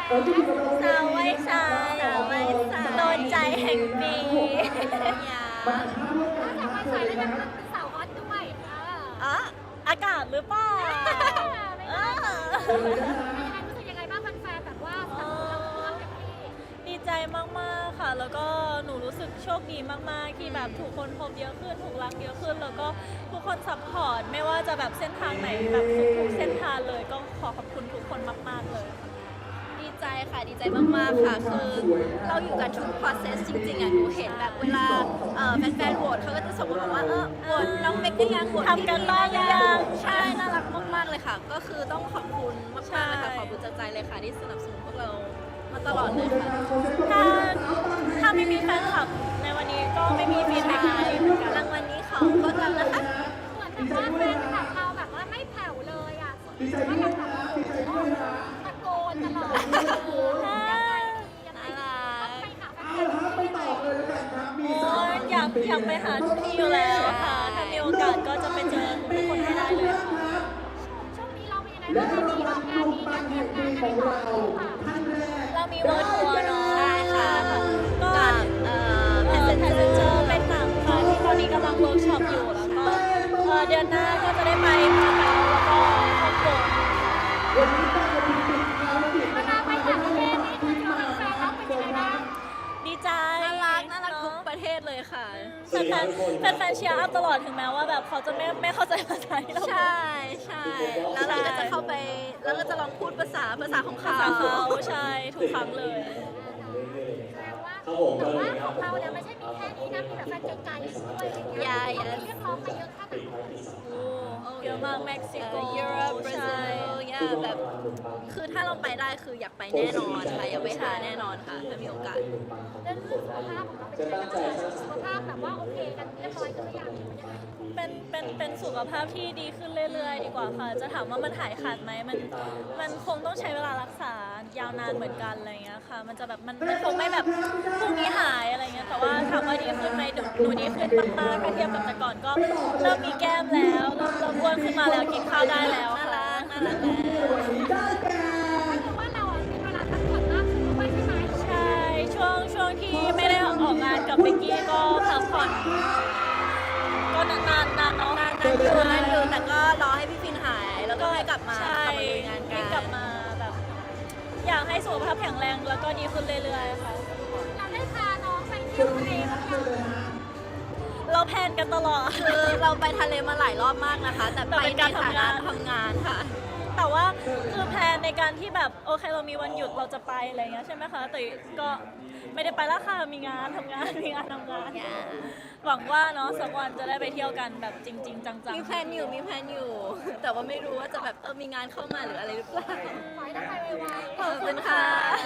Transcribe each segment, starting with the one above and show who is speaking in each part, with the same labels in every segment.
Speaker 1: สาวไว้สายโดนใจแห่งปีอย่า
Speaker 2: จากวันสายแล้วยังเป็นสาวฮอตด้วย
Speaker 1: อ๋ออากาศหรือเปล่า
Speaker 2: รู้สึกยังไงบ้างแฟนๆแบบว่าเราร่วมกับพี่
Speaker 1: ดีใจมากๆค่ะแล้วก็หนูรู้สึกโชคดีมากๆที่แบบถูกคนพบเยอะขึ้นถูกรักเยอะขึ้นแล้วก็ทุกคนซัพพอร์ตไม่ว่าจะแบบเส้นทางไหนแบบทุกเส้นทางเลยก็ขอขอบคุณทุกคนมากๆเลย
Speaker 3: ดีใจค่ะดีใจมากๆค่ะคือเราอยู่กันทุก process จริงๆอ่ะหนูเห็นแบบเวลาแฟนๆโหวตเขาก็จะส่งมาบอกว่าโหวตน้องเมกได้ยังโหวต
Speaker 1: ทำกันบ้างหรือยัง
Speaker 3: ใช่น่ารักมากๆเลยค่ะก็คือต้องขอบคุณมากๆเลยค่ะขอบคุณจากใจเลยค่ะที่สนับสนุนพวกเรามาตลอดเลยค่ะ
Speaker 1: ถ้าไม่มีแฟนคลับในวันนี้ก็ไม่มีฟีดแบ็กให้เหมือนกัน
Speaker 3: รางวัลนี้ของพวกเรานะคะ
Speaker 2: เหมือนแบบว่าแฟนคลับเราแบบว่าไม่แผ่วเลยอ่ะว่ายังแบบตะโกนตลอดยังไงต้องไปหาแฟนๆที่ไหน
Speaker 1: อยากไปหาทุกที่อยู่แล้วค่ะถ้ามีโอกาสก็จะไปเจอทุกคนให้ได้เลยค่ะ
Speaker 2: ช่วงนี้เราเป็นยังไงบ้างมีออกงานมีงานเตรียมงานอะไรต่อหรือเปล่า
Speaker 1: เรามีเวิร์ทัวร์เนาะ
Speaker 3: ใช่ค่ะ
Speaker 1: ก็แพสเซนเจอร์เป็นหนังค่ะที่ตอนนี้กำลังเวิร์กช็อปอยู่แล้วก็เดือนหน้าก็จะได้ไปมาเก๊าแล้วก็ฮ่องกง
Speaker 2: เวลาไปต่างประเทศนี่คือเจอแฟนๆแล้วเป็นยังไงบ้าง
Speaker 1: ดีใจ
Speaker 3: น่ารักทุกประเทศเลยค่ะ
Speaker 1: แฟนเชียร์อัพตลอดถึงแม้ว่าแบบเขาจะไม่เข้าใจภาษาที่เรา
Speaker 3: ใช่แล้วเราก็จะเข้าไปแล้วก็จะลองพูดภาษาของเขา
Speaker 1: ใช่ทุกครั้งเลย
Speaker 2: แต่ว่าของเราเนี่ยไม่ใช่มีแค่นี้นะมีแบบแฟนไกลๆด้วยอะไรเงี้ยเรียกร้องไปเยอะแค่ไหน
Speaker 1: เยอะมากเม็กซิโก
Speaker 3: ยุโรปบราซิลแบบคือถ้าเราไปได้คืออยากไปแน่นอนค่ะอยากไปหาแน่นอนค่ะถ้ามีโอกาส
Speaker 2: เรื่องสุขภาพของเราเป็นยังไงบ้างสุขภาพแบบว่าโอเคกันเรียบร้อยกันหรือยัง
Speaker 1: เป็นสุขภาพที่ดีขึ้นเรื่อยๆดีกว่าค่ะจะถามว่ามันหายขาดไหมมันคงต้องใช้เวลารักษายาวนานเหมือนกันอะไรเงี้ยค่ะมันจะแบบมันคงไม่แบบพรุ่งนี้หายอะไรเงี้ยแต่ว่าถามว่าดีขึ้นไหมหนูดีขึ้นมากๆถ้าเทียบกับแต่ก่อนก็เริ่มมีแก้มแล้วเริ่มอ้วนขึ้นมาแล้วกินข้าวได้แล้ว
Speaker 3: น่ารักแล้ว
Speaker 2: คือว่าเรามีเวลาพักผ่อนมากขึ้นด้วยใช่ไหม
Speaker 1: ใช่ช่วงที่ไม่ได้ออกงานกับเบกกี้ก็พักผ่อนก็นานเนาะ
Speaker 3: นานอยู่แต่ก็รอให้พี่ฟินหายแล้วก็ให้กลับมาลุยงานกัน
Speaker 1: กลับมาแบบอยากให้สุขภาพแข็งแรงแล้วก็ดีขึ้นเรื่อยๆค่ะ
Speaker 2: เราได้พาน้องไปเที่ยวทะเลบ้างยัง
Speaker 1: เราแพลนกันตลอด
Speaker 3: คือเราไปทะเลมาหลายรอบมากนะคะแต่ไปในฐานะทำงานค่ะ
Speaker 1: แต่ว่าคือแพลนในการที่แบบโอเคเรามีวันหยุดเราจะไปอะไรเงี้ยใช่ไหมคะแต่ก็ไม่ได้ไปแล้วค่ะมีงานทำงานหวังว่าเนาะสักวันจะได้ไปเที่ยวกันแบบจริงๆจังๆ
Speaker 3: มีแพลนอยู่แต่ว่าไม่รู้ว่าจะแบบมีงานเข้ามาหรืออะไรหรือเปล่า
Speaker 2: ขอให้ได้ไปไวๆ
Speaker 3: ขอบคุณค่ะ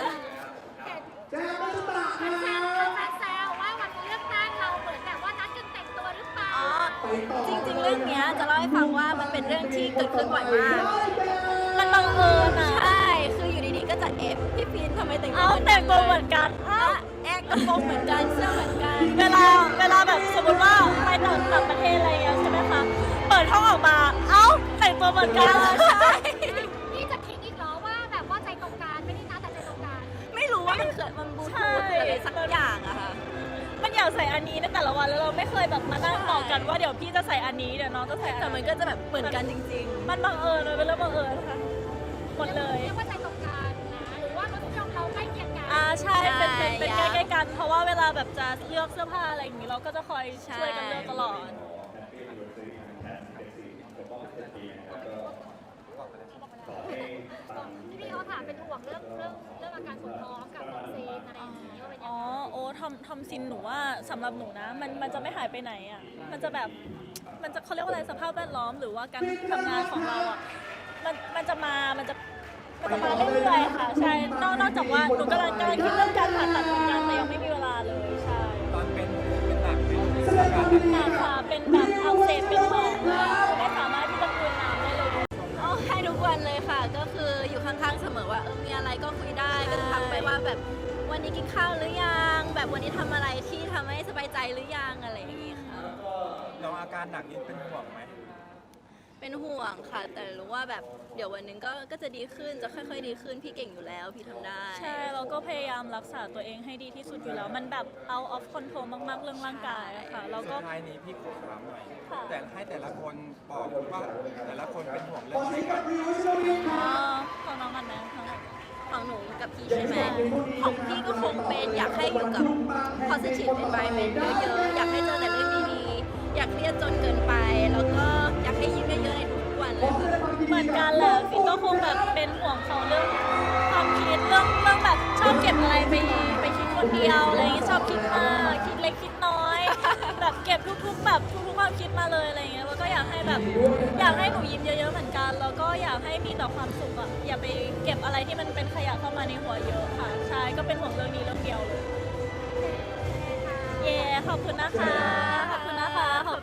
Speaker 2: แฟนแซวว่าวันเลือกตั้งเราเหมือนแบบว่านัดกันแต่งตัวหรือเปล่า
Speaker 3: จริงๆเรื่องนี้จะเล่าให้ฟังว่ามันเป็นเรื่องที่เกิดขึ้นบ่อยมาก
Speaker 1: มันบังเอิญอ่ะ
Speaker 3: ใช่คืออยู่ดีๆก็จะพี่ฟินทำไมแต่งตัว
Speaker 1: เหมือนกัน
Speaker 3: แอกกระโปรงเหมือนกันเสื้อเหมือนกัน
Speaker 1: เวลาแบบสมมติว่าไปต่างประเทศอะไรอย่างเงี้ยใช่ไหมคะเปิดห้องออกมาแต่งตัวเหมือนกัน
Speaker 3: ใช่
Speaker 2: นี่จะทิ้งอีกเหรอว่าแบบว่าใจตรงกันไม่ได้นะแต่ใจตรงกัน
Speaker 3: ไม่รู้ว่ามันบูทูธอะไรสักอย่างอะค่ะ
Speaker 1: มันอยากใส่อันนี้ในแต่ละวันแล้วเราไม่เคยแบบมานั่งบอกกันว่าเดี๋ยวพี่จะใส่อันนี้เดี๋ยวน้องจะใส่
Speaker 3: แต่มันก็จะแบบเหมือนกันจริง
Speaker 1: ๆมันบังเอิญเลยเป็นเรื่องบังเอิญค่ะหมดเลย
Speaker 2: เรียกว่าใจตรงกันนะหรือว่ารสนิยมเราใกล้เคียงกัน
Speaker 1: ใช่เป็นใกล้ๆกันเพราะว่าเวลาแบบจะเลือกเสื้อผ้าอะไรอย่างนี้เราก็จะคอยช่วยกันเลือกตลอด
Speaker 2: พี่เขาถามเป็นห่วงเรื่องอาการปวดท้องกับวัคซีนอะไรอย่างนี้ว่าเป็นยังไง
Speaker 1: ทำซินหนูว่าสำหรับหนูนะมันจะไม่หายไปไหนอ่ะมันจะแบบมันจะเขาเรียกว่าอะไรสภาพแวดล้อมหรือว่าการทำงานของเราอ่ะมันจะมาเรื่อยๆค่ะใช่นอกจากว่าหนูกำลังคิดเรื่องการผ่าตัดเหมือนกันแต่ยังไม่มีเวลาเลยใช่
Speaker 4: ตอนเป็นหนักเป็น
Speaker 1: หนักค่ะเป็นแบบอักเสบเป็นหนองไม่สามารถที่จะกลืนน้ำได้เลย
Speaker 3: ให้ทุกวันเลยค่ะก็คืออยู่ข้างๆเสมอว่ามีอะไรก็คุยได้ก็จะทักไปว่าแบบวันนี้กินข้าวหรือยังแบบวันนี้ทำอะไรที่ทำให้สบายใจหรือยังอะไรอย่างงี้ค่ะ
Speaker 4: เราอาการหนักนี่เป็นห่วงไหม
Speaker 3: เป็นห่วงค่ะ แต่รู้ว่าแบบเดี๋ยววันหนึงก็จะดีขึ้นจะค่อยๆดีขึ้นพี่เก่งอยู่แล้วพี่ทำได้
Speaker 1: ใช่เราก็พยายามรักษาตัวเองให้ดีที่สุดอยู่แล้ว มันแบบ out of control มากๆเรื่องร่างกายอะค่ะเรา
Speaker 4: สุ
Speaker 1: ก็
Speaker 4: ดท้ายนี้พี่ขอถามหน่อย
Speaker 1: ค่ะ
Speaker 4: แต่ให้แต่ละคนบอกว่าแต่ละคนเป็นห่วงเรื่องอะไรกัน
Speaker 1: ของน้องมันนะ
Speaker 3: ของหนูกับพี่ใช่ไหมของพี่ก็คงเป็นอยากให้อยู่กับ positive environment เยอะๆ อยากให้เจอแต่เรื่องดีๆ อยากเครียดจนเกินไป แล้วก็อยากให้ยิ้มเยอะๆในทุกๆวันเลยค่ะ
Speaker 1: เหมือนกันแหละฟินก็คงแบบเป็นห่วงเขาเรื่องความคิดเรื่องแบบชอบเก็บอะไรไปคิดคนเดียวอะไรอย่างเงี้ยชอบคิดมากคิดเล็กคิดน้อย แบบเก็บทุกๆแบบทุกๆความคิดมาเลยอะไรอย่างเงี้ยแล้วก็อยากให้แบบอยากให้หนูยิ้มเยอะๆเหมือนกันแล้วก็อยากให้มีแต่ความสุขอะอย่าไปเก็บอะไรที่มันเป็นขยะเข้ามาในหัวเยอะค่ะใช่ก็เป็นห่วงเรื่องนี้เรื่องเดียวเลยเย้ขอบคุณนะคะขอบคุณนะคะ